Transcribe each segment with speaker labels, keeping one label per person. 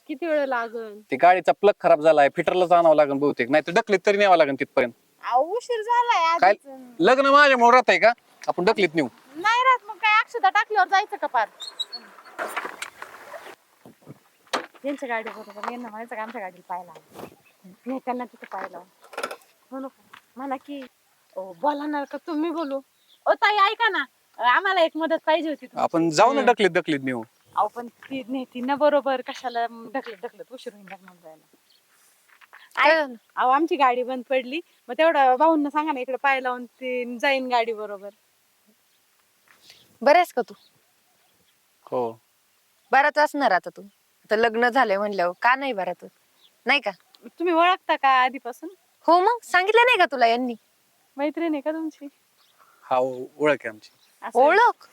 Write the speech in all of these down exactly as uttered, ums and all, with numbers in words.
Speaker 1: किती वेळ लागल?
Speaker 2: ती गाडीचा प्लग खराब झालाय, फिटरलाच आणावं लागेल बहुतेक, नाही तर ढकलीत तरी न्यावं लागेल तिथपर्यंत.
Speaker 1: अहो, उशीर झालाय
Speaker 2: काय
Speaker 1: आधीच.
Speaker 2: लग्न माझ्यामुळे राहत आहे का आपण ढकलीत नेऊ?
Speaker 1: नाही राहत मग काय अक्षता टाकल्यावर जायचं का पार? यांच्या गाडी बरोबर यांना म्हणायचं का आमच्या गाडीला पाहायला नाही, त्यांना तिथं पाहायला म्हणू का म्हणा की ओ बोला ना का तुम्ही बोलू. ओ ताई ऐका ना, आम्हाला एक मदत पाहिजे होती तुमची.
Speaker 2: आपण जाऊ ना ढकलीत ढकलीत नेऊ.
Speaker 1: अहो पण ती नेती ना बरोबर, कशाला ढकलत ढकलत उशीर होईल लग्नाला जायला. ऐक, अहो आमची गाडी बंद पडली, मग तेवढं भाऊंना सांगा ना इकडे पाय लावून ती जाईन गाडी बरोबर.
Speaker 3: बरेच का तू?
Speaker 2: हो
Speaker 3: बराच असणार आता तू. आता लग्न झालंय म्हणल्यावर का नाही बरात नाही का?
Speaker 1: तुम्ही ओळखता का आधीपासून?
Speaker 3: हो मग सांगितलं नाही का तुला यांनी?
Speaker 1: मैत्रीण आहे का तुमची?
Speaker 2: हा ओळख आहे आमची.
Speaker 1: असं
Speaker 3: ओळख?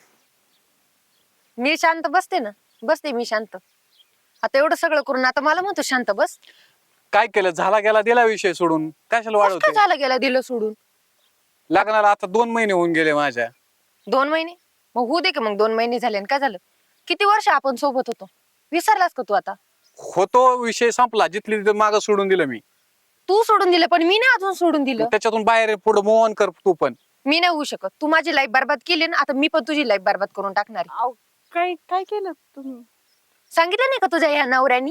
Speaker 3: मी शांत बसते ना, बसते मी शांत. आता एवढं सगळं करून आता मला म्हणतो शांत बस.
Speaker 2: काय केलं, झाला गेला दिला विषय सोडून, कशाला
Speaker 3: कसं काय
Speaker 2: वाढवते?
Speaker 3: झालं गेला दिलं सोडून?
Speaker 2: लग्नाला आता दोन महिने होऊन गेले माझ्या.
Speaker 3: दोन महिने मग होऊ दे की, मग दोन महिने झाले आणि काय झालं? किती वर्ष आपण सोबत होतो, विसरलास का तू आता?
Speaker 2: होतो विषय संपला, जिथली तिथं मागं सोडून दिलं मी.
Speaker 3: तू सोडून दिलं पण मी नाही अजून सोडून दिलं.
Speaker 2: त्याच्यातून बाहेर पुढे मूव ऑन कर तू पण.
Speaker 3: मी नाही होऊ शकत. तू माझी लाईफ बर्बाद केली ना, आता मी पण तुझी लाईफ बर्बाद करून टाकणार आहे.
Speaker 1: अहो, काय काय केलं तुम्ही?
Speaker 3: सांगितलं नाही का तुझ्या या नवऱ्यानी?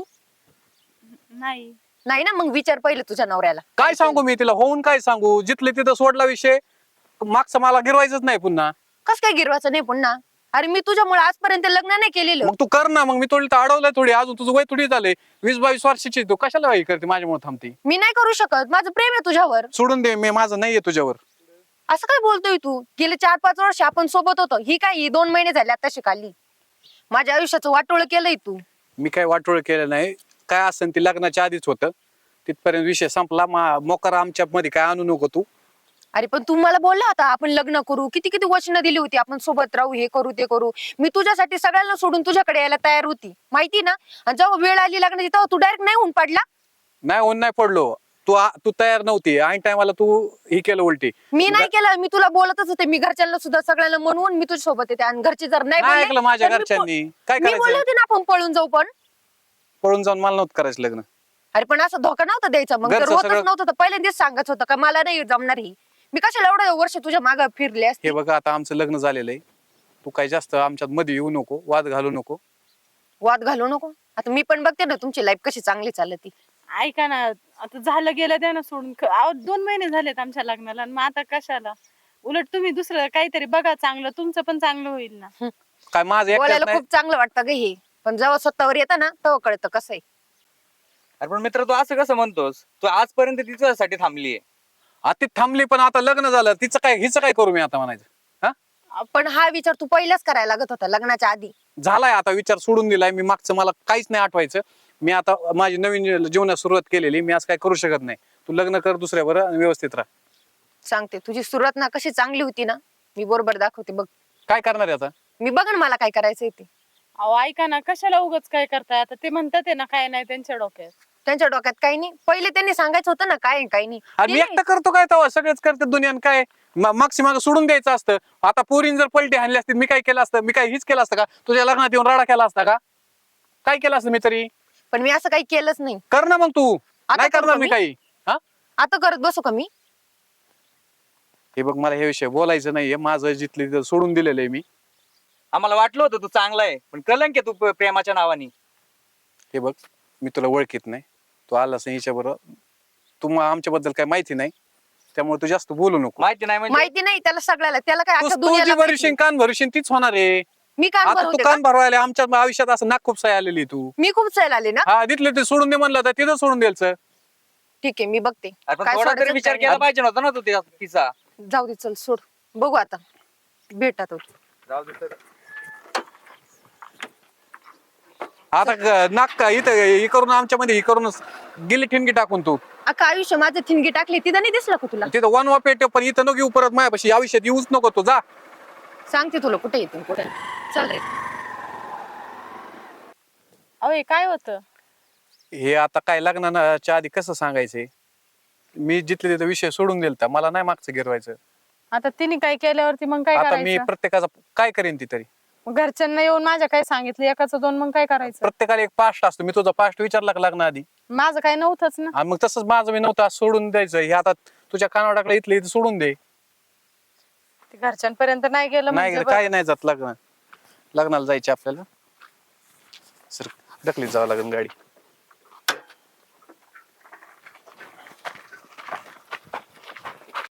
Speaker 1: नाही.
Speaker 3: नाही ना, मग विचार पहिले तुझ्या नवऱ्याला.
Speaker 2: काय सांगू मी तिला, होऊन काय सांगू? जिथले तिथं सोडला विषय, मागचं मला गिरवायचंच नाही पुन्हा.
Speaker 3: कस काय गिरवायचं नाही पुन्हा? अरे मी तुझ्यामुळे आजपर्यंत लग्न नाही केलेलं.
Speaker 2: मग तू कर ना, मग मी थोडी अडवलंय थोडी, अजून तुझं वय थोडी झालंय, वीस बावीस वर्षाची, तू कशाला वाई करते माझ्यामुळे थांबते?
Speaker 3: मी नाही करू शकत, माझं प्रेम आहे तुझ्यावर.
Speaker 2: सोडून दे, मी माझं नाहीये तुझ्यावर.
Speaker 3: असं काय बोलतोय तू? गेले चार पाच वर्ष आपण सोबत होतो, ही काय ही दोन महिने झाले आता शिकाली. माझ्या आयुष्याचं वाटोळ केलंय तू.
Speaker 2: मी काय वाटोळ केलं नाही, काय असेल ते लग्नाच्या आधीच होतं, तिथपर्यंत विषय संपला. मोकार आमच्या मध्ये काय आणू नको तू.
Speaker 3: अरे पण तू मला बोलला होता आपण लग्न करू, किती किती वचनं दिली होती, आपण सोबत राहू, हे करू ते करू. मी तुझ्यासाठी सगळ्यांना सोडून तुझ्याकडे यायला तयार होती, माहिती ना. आणि जेव्हा वेळ आली लग्नाची तेव्हा तू डायरेक्ट नाही होऊन पडला.
Speaker 2: नाही होऊन नाही पडलो, तू तू तयार नव्हती. ऐन टायमाला तू हे केलं उलटी.
Speaker 3: मी नाही केलं, मी तुला बोलतच होते. मी घरच्यांना सुद्धा सगळ्यांना म्हणून मी तुझ्या सोबत येते, आणि घरचे जर नाही
Speaker 2: नाही
Speaker 3: बोलले
Speaker 2: ऐकलं माझ्या
Speaker 3: तर मी
Speaker 2: घरच्यांनी. काय
Speaker 3: पळ- मी बोलले
Speaker 2: करायचं?
Speaker 3: होते ना आपण पळून जाऊ, पण
Speaker 2: पळून जाऊन मला नव्हतं करायचं लग्न.
Speaker 3: अरे पण असं धोका नव्हता द्यायचा. मग जर
Speaker 2: घरचं
Speaker 3: होतच
Speaker 2: सगळं-
Speaker 3: नव्हतं तर पहिल्यांदाच सांगायचं होतं का मला नाही जमणार ही. मी कशाला एवढं वर्ष तुझ्या मागे फिरले असते.
Speaker 2: हे बघा आता आमचं लग्न झालेलं आहे, तू काय जास्त आमच्यात मध्ये येऊ नको, वाद घालू नको.
Speaker 3: वाद घालू नको. आता मी पण बघते ना तुमची लाईफ कशी चांगली चालती.
Speaker 1: ऐका ना, आता झालं गेलं द्या ना सोडून. क- अहो दोन महिने झालेत आमच्या लग्नाला, आणि मग आता कशाला? उलट तुम्ही दुसरं काहीतरी बघा चांगलं, तुमचं पण चांगलं होईल ना.
Speaker 2: काय माझं एकट्यात
Speaker 3: बोलायला
Speaker 2: नाही.
Speaker 3: खूप चांगलं वाटतं ग हे, पण जेव्हा स्वतःवर येतं ना तेव्हा कळतं कसं आहे.
Speaker 4: अरे पण मित्र, तू असं कसं म्हणतोस? तू आजपर्यंत तिच्यासाठी थांबलीये.
Speaker 2: आता ती थांबली, पण आता लग्न झालं, तिचं काय हिचं काय करू मी आता म्हणायचं? हा
Speaker 3: पण हा विचार तू पहिलाच करायला लागत होता लग्नाच्या आधी.
Speaker 2: झालाय आता, विचार सोडून दिलाय मी. मागचं मला काहीच नाही आठवायचं. मी आता माझी नवीन जीवनात सुरुवात केलेली, मी आज काय करू शकत नाही. तू लग्न कर दुसऱ्यावर आणि व्यवस्थित राहा.
Speaker 3: सांगते तुझी सुरुवात ना कशी चांगली होती ना, मी बरोबर दाखवते बघ.
Speaker 2: काय करणार आहे आता?
Speaker 3: मी बघ ना मला काय करायचंय ते.
Speaker 1: अहो ऐका ना, कशाला उगाच काय करताय? आता ते म्हणतात आहे ना, काय नाही त्यांच्या डोक्यात.
Speaker 3: त्यांच्या डोक्यात काही नाही. पहिले त्यांनी सांगायचं होतं ना काय आहे, काही नाही.
Speaker 2: आणि मी
Speaker 3: ते
Speaker 2: एकटा करतो काय तेव्हा? सगळेच करतात दुनियान. काय मागची माग सोडून द्यायचं असतं? आता पोरीन जर पलटी हाणली असती, मी काय केलं असतं? मी काय हीच केलं असतं का? तुझ्या लग्नात येऊन राडा केला असता का? काय केलं असतं मी तरी?
Speaker 3: पण मी असं काही केलंच नाही.
Speaker 2: कर ना मग तू.
Speaker 3: आता
Speaker 2: नाही
Speaker 3: करू
Speaker 2: करणार
Speaker 3: का
Speaker 2: मी
Speaker 3: मी?
Speaker 2: काही. हा
Speaker 3: आता करत बसू का मी?
Speaker 2: हे बघ, मला हे विषय बोलायचं नाहीये. माझं जिथले तिथं सोडून दिलेलं आहे मी.
Speaker 4: आम्हाला वाटलं होतं तू चांगला आहे, पण कलंक आहे तू प- प्रेमाच्या नावाने.
Speaker 2: हे बघ, मी तुला ओळखीत नाही. तू आलास हिच्या बरोबर, तू आमच्याबद्दल काय माहिती नाही, त्यामुळे तू जास्त बोलू नको.
Speaker 4: माहिती नाही म्हणजे?
Speaker 3: माहिती नाही त्याला सगळ्याला. त्याला काय
Speaker 2: तू
Speaker 3: अख्ख्या
Speaker 2: तू जी
Speaker 3: दुनियाला माहिती.
Speaker 2: भरशील, कान भरशील तीच होणार आहे.
Speaker 3: मी कान
Speaker 2: आता तू
Speaker 3: भरवते का?
Speaker 2: कान भरवायला आमच्या आयुष्यात असं नाक खूप साय आलेली तू.
Speaker 3: मी खूप चैल आले ना.
Speaker 2: हा, तिथले ते सोडून दे म्हणलं तर तिथं सोडून द्यायचं.
Speaker 3: ठीक आहे मी बघते.
Speaker 4: अरे पण
Speaker 3: काय
Speaker 4: थोडा तरी
Speaker 3: सोडायचं
Speaker 4: विचार
Speaker 3: काय
Speaker 4: केला पाहिजे नव्हता ना तू त्या- तिचा.
Speaker 3: नाही. जाऊ दे चल सोड. बघू आता भेटा तो.
Speaker 4: जाऊ दे तर.
Speaker 2: आता ग- नाक का इथं हे करून आमच्या मध्ये हे करून गेली ठिणगी टाकून तू
Speaker 3: अख्खा आयुष्य माझं थिणगी टाकली, तिथं नाही दिसलं का तुला?
Speaker 2: तिथं वन वा पेट, पण इथं नको येऊ परत माझ्यापाशी. या आयुष्यात येऊच नको तू. जा.
Speaker 3: सांगते तुला कुठे येते कुठे. चल रे.
Speaker 1: अहो हे काय होतं?
Speaker 2: हे आता काय लग्नाच्या आधी कसं सांगायचंय? मी जिथले तिथं विषय सोडून दिलता, मला नाही मागचं गिरवायचं.
Speaker 1: आता तिने काय केल्यावरती मग काय
Speaker 2: आता मी
Speaker 1: करायचं?
Speaker 2: प्रत्येकाचा काय करेन ती तरी.
Speaker 1: मग घरच्यांना येऊन माझ्या काय सांगितलं एकाचं दोन, मग काय करायचं?
Speaker 2: प्रत्येकाला एक पास्ट असतो. मी तुझा पास्ट विचारला का लग्नाआधी?
Speaker 1: माझं काय नव्हतंच ना.
Speaker 2: आणि मग तसंच माझं मी नव्हतं, असं सोडून द्यायचं. हे आता तुझ्या कानावर टाकलं, इथलं इथं सोडून दे.
Speaker 1: ते घरच्यांपर्यंत नाही गेलं
Speaker 2: नाही
Speaker 1: म्हणजे
Speaker 2: काय नाही जात लग्न, लग्नाला जायचे आपल्याला. सर ढकलीत जावं लागेल गाडी.